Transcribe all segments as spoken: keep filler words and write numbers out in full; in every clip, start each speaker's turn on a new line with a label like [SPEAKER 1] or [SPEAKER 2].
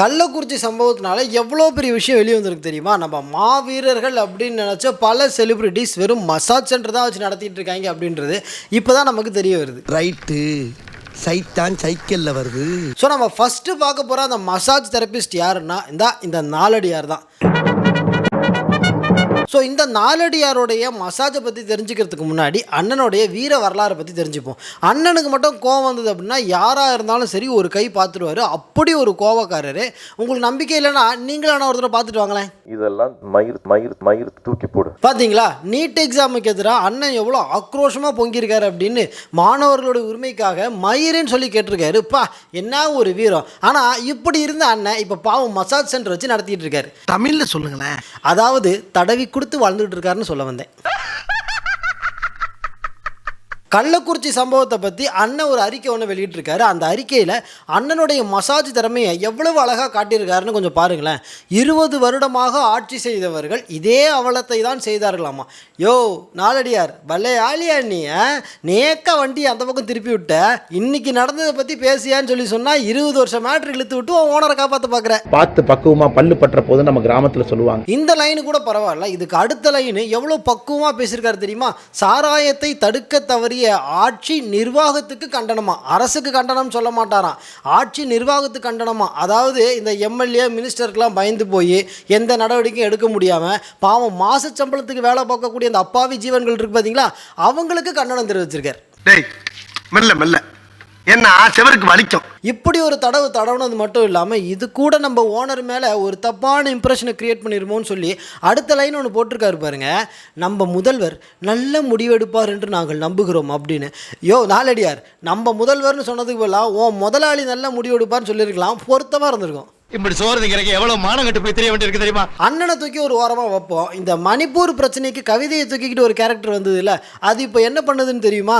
[SPEAKER 1] கள்ளக்குறிச்சி சம்பவத்தினால எவ்வளோ பெரிய விஷயம் வெளியே வந்திருக்கு தெரியுமா? நம்ம மாவீரர்கள் அப்படின்னு நினச்ச பல செலிபிரிட்டிஸ் வெறும் மசாஜ் சென்டர் தான் வச்சு நடத்திட்டு இருக்காங்க அப்படின்றது இப்போ தான் நமக்கு தெரிய வருது.
[SPEAKER 2] ரைட்டு, சைத்தான் சைக்கிளில் வருது.
[SPEAKER 1] ஸோ நம்ம ஃபஸ்ட்டு பார்க்க போகிற அந்த மசாஜ் தெரபிஸ்ட் யாருன்னா இந்த இந்த நாலடியார் தான். ஸோ இந்த நாலடியாருடைய மசாஜை பற்றி தெரிஞ்சுக்கிறதுக்கு முன்னாடி அண்ணனுடைய வீர வரலாறை பற்றி தெரிஞ்சுப்போம். அண்ணனுக்கு மட்டும் கோவம் வந்தது அப்படின்னா யாராக இருந்தாலும் சரி ஒரு கை பார்த்துருவார். அப்படி ஒரு கோவக்காரர். உங்களுக்கு நம்பிக்கை இல்லைன்னா நீங்களான ஒருத்தரை பார்த்துட்டு வாங்களேன்.
[SPEAKER 3] இதெல்லாம் மயிர் மயிர் மயிர் தூக்கி போடு.
[SPEAKER 1] பார்த்தீங்களா, நீட் எக்ஸாமுக்கு எதிராக அண்ணன் எவ்வளோ ஆக்ரோஷமாக பொங்கியிருக்காரு அப்படின்னு மாணவர்களோட உரிமைக்காக மயிருன்னு சொல்லி கேட்டிருக்காரு. பா, என்ன ஒரு வீரம். ஆனால் இப்படி இருந்த அண்ணன் இப்போ பாவம் மசாஜ் சென்டர் வச்சு நடத்திட்டு இருக்காரு.
[SPEAKER 2] தமிழில் சொல்லுங்களேன்.
[SPEAKER 1] அதாவது தடவி கொடுத்து வாழ்ந்துட்டு இருக்காருன்னு சொல்ல வந்தேன். கள்ளக்குறிச்சி சம்பவத்தை பற்றி அண்ணன் ஒரு அறிக்கை ஒன்று வெளியிட்டிருக்காரு. அந்த அறிக்கையில் அண்ணனுடைய மசாஜ் திறமையை எவ்வளவு அழகாக காட்டியிருக்காருன்னு கொஞ்சம் பாருங்களேன். இருபது வருடமாக ஆட்சி செய்தவர்கள் இதே அவலத்தை தான் செய்தார்களாமா. யோ நாலடியார், பல்லே ஆலியா நீ நேக்க வண்டி அந்த பக்கம் திருப்பி விட்ட, இன்னைக்கு நடந்ததை பற்றி பேசியான்னு சொல்லி சொன்னால் இருபது வருஷம் மேட்ரு இழுத்து விட்டு ஓனரை காப்பாற்ற பார்க்குறேன்.
[SPEAKER 4] பார்த்து பக்குவமாக பல்லு பற்ற போது நம்ம கிராமத்தில் சொல்லுவாங்க.
[SPEAKER 1] இந்த லைனு கூட பரவாயில்ல, இதுக்கு அடுத்த லைனு எவ்வளோ பக்குவமாக பேசியிருக்காரு தெரியுமா? சாராயத்தை தடுக்க தவறி ஆட்சி நிர்வாகத்துக்கு கண்டனமா, அரசுக்கு கண்டனம் சொல்ல மாட்டாராம், ஆட்சி நிர்வாகத்துக்கு கண்டனமா. அதாவது இந்த எம்எல்ஏ மினிஸ்டருக்கெல்லாம் பயந்து போய் எந்த நடவடிக்கையும் எடுக்க முடியாம பாவம் மாச சம்பளத்துக்கு வேலை பார்க்கக்கூடிய அந்த அப்பாவி ஜீவன்கள் இருக்கு பார்த்தீங்களா, அவங்களுக்கு கண்டனம் தெரிவிச்சிருக்கார்.
[SPEAKER 2] டேய் மெல்ல மெல்ல, என்ன செவருக்கு வலிக்கும்.
[SPEAKER 1] இப்படி ஒரு தடவு தடவுனது மட்டும் இல்லாமல் இது கூட நம்ம ஓனர் மேலே ஒரு தப்பான இம்ப்ரெஷனை கிரியேட் பண்ணிருமோன்னு சொல்லி அடுத்த லைன் ஒன்று போட்டிருக்காரு பாருங்க. நம்ம முதல்வர் நல்ல முடிவெடுப்பார் என்று நாங்கள் நம்புகிறோம் அப்படின்னு. யோ நாலடியார், நம்ம முதல்வர்னு சொன்னதுக்கு பதிலாக ஓ முதலாளி நல்ல முடிவெடுப்பார்னு சொல்லியிருக்கலாம், பொருத்தமாக இருந்திருக்கும்.
[SPEAKER 5] இப்படி சோறு திங்கிறக்கு எவ்வளவு மானம் கட்டு போய் தெரிய வேண்டியிருக்கு தெரியுமா?
[SPEAKER 1] அண்ணனை தூக்கி ஒரு ஓரமாக வைப்போம். இந்த மணிப்பூர் பிரச்சனைக்கு கவிதையை தூக்கிக்கிட்டு ஒரு கேரக்டர் வந்தது இல்லை, அது இப்போ என்ன பண்ணுதுன்னு தெரியுமா?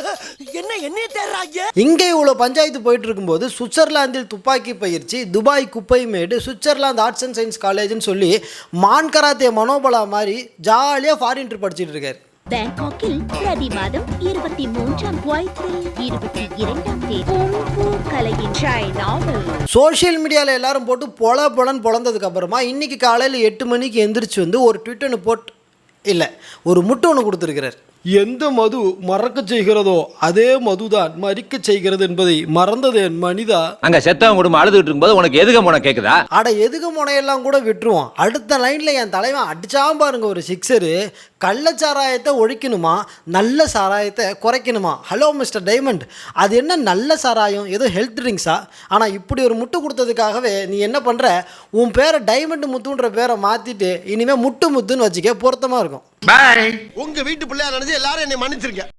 [SPEAKER 2] என்ன என்ன தேடுறாங்க?
[SPEAKER 1] இங்கே இவ்வளோ பஞ்சாயத்து போயிட்டு இருக்கும்போது சுவிட்சர்லாந்தில் துப்பாக்கி பயிற்சி, துபாய் குப்பை மேடு, சுவிட்சர்லாந்து ஆர்ட்ஸ் அண்ட் சயின்ஸ் காலேஜ்னு சொல்லி மான் கராத்தே மனோபலா மாதிரி ஜாலியாக ஃபாரின் ட்ரிப் படிச்சுட்டு இருக்காரு.
[SPEAKER 6] பேங்காக்கில் பிரதி மாதம் இருபத்தி மூன்றாம் இருபத்தி இரண்டாம் தேதி கலையின் சைனாவில்
[SPEAKER 1] சோஷியல் மீடியாவில் எல்லாரும் போட்டு பொல பொலன்னு பொழந்ததுக்கு அப்புறமா இன்னைக்கு காலையில் எட்டு மணிக்கு எந்திரிச்சு வந்து ஒரு ட்விட் ஒன்று போட்டு இல்லை ஒரு முட்டை ஒன்று கொடுத்துருக்கிறார். எந்த மது மறக்க செய்கிறதோ அதே மதுதான் மறிக்க செய்கிறது என்பதை மறந்தது என் மனிதா.
[SPEAKER 7] அங்க செத்தவன் குடும்பம் அழுதுட்டு இருக்கும்போது உனக்கு எதுக முனை கேக்குதா?
[SPEAKER 1] அட எதுக முனையெல்லாம் கூட விட்டுருவோம். அடுத்த லைன்ல என் தலைவன் அடிச்சாம் பாருங்க ஒரு சிக்ஸரு. கள்ள சாராயத்தை ஒழிக்கணுமா, நல்ல சாராயத்தை குறைக்கணுமா? ஹலோ மிஸ்டர் டைமண்ட், அது என்ன நல்ல சாராயம், ஏதோ ஹெல்த் ட்ரிங்க்ஸா? ஆனால் இப்படி ஒரு முட்டு கொடுத்ததுக்காகவே நீ என்ன பண்ணுற, உன் பேரை டைமண்ட் முத்துன்ற பேரை மாற்றிட்டு இனிமேல் முட்டு முத்துன்னு வச்சுக்க, பொருத்தமாக இருக்கும்.
[SPEAKER 2] பாய். உங்க வீட்டு பிள்ளையா நினைச்சு எல்லாரும் என்னை மன்னிச்சிருக்க.